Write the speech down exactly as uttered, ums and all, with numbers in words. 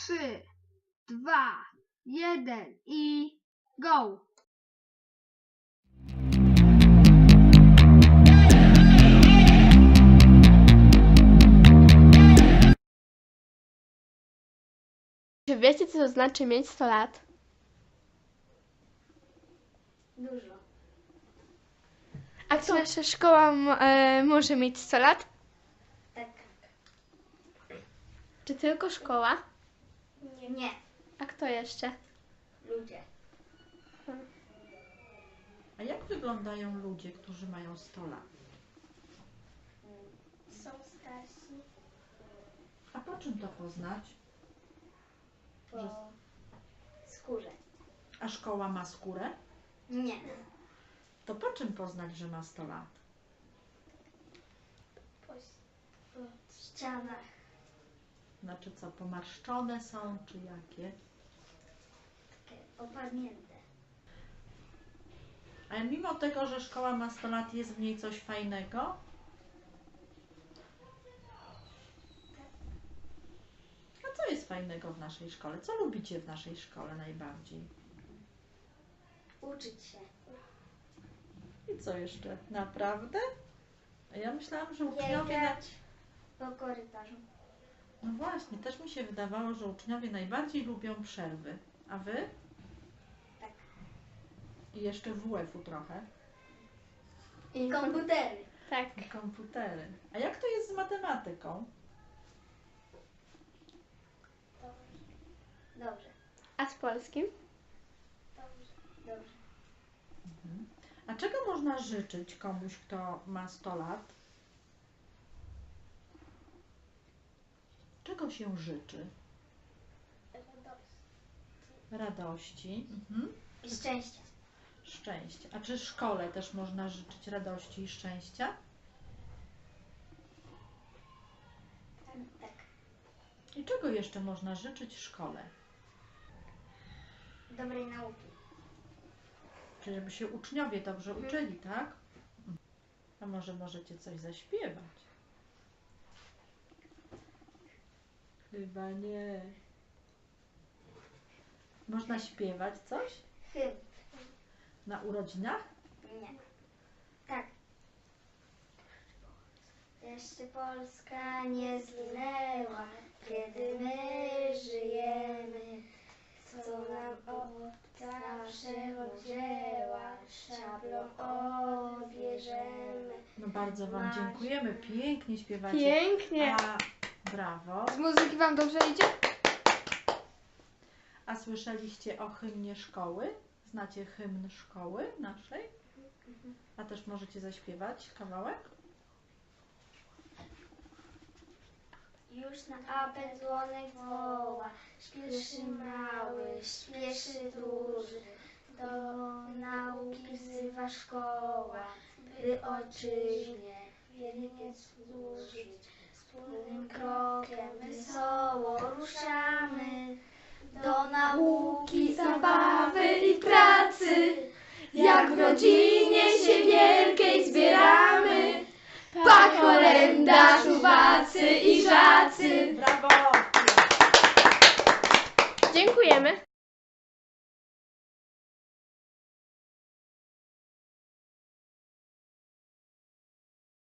trzy, dwa, jeden i go! Czy wiecie, co to znaczy mieć sto lat? Dużo. A czy nasza szkoła m- e, może mieć sto lat? Tak. Czy tylko szkoła? Nie. Nie. A kto jeszcze? Ludzie. A jak wyglądają ludzie, którzy mają sto lat? Są starsi. A po czym to poznać? Po skórze. A szkoła ma skórę? Nie. To po czym poznać, że ma sto lat? Po, po ścianach. Znaczy co, pomarszczone są, czy jakie? Takie opadnięte. A mimo tego, że szkoła ma sto lat, jest w niej coś fajnego? A co jest fajnego w naszej szkole? Co lubicie w naszej szkole najbardziej? Uczyć się. I co jeszcze? Naprawdę? A ja myślałam, że uczniowie... Na... Biegać po korytarzu. No właśnie, też mi się wydawało, że uczniowie najbardziej lubią przerwy. A wy? Tak. I jeszcze W F u trochę. I Komputery. Tak. I komputery. A jak to jest z matematyką? Dobrze. A z polskim? Dobrze. Dobrze. A czego można życzyć komuś, kto ma sto lat? Czego się życzy? Radości. Mhm. I szczęścia. Szczęścia. A czy szkole też można życzyć radości i szczęścia? Tak. I czego jeszcze można życzyć szkole? Dobrej nauki. Czyli żeby się uczniowie dobrze uczyli, tak? A może możecie coś zaśpiewać? Chyba nie. Można śpiewać coś? Hymn. Na urodzinach? Nie. Tak. Jeszcze Polska nie zginęła, kiedy my żyjemy. Co nam obca przewzięła, szablą odbierzemy. No bardzo Wam dziękujemy. Pięknie śpiewacie. Pięknie. A, brawo. Z muzyki wam dobrze idzie? A słyszeliście o hymnie szkoły? Znacie hymn szkoły naszej? A też możecie zaśpiewać kawałek? Już na apel dzwonek woła, śpieszy mały, śpieszy duży. Do nauki wzywa szkoła, by ojczyźnie wiernie służyć. Wspólnym krokiem wesoło ruszamy do nauki, zabawy i pracy. Jak w rodzinie się wielkiej zbieramy, pa kolenda, czuwacy i żacy. Brawo! Dziękujemy.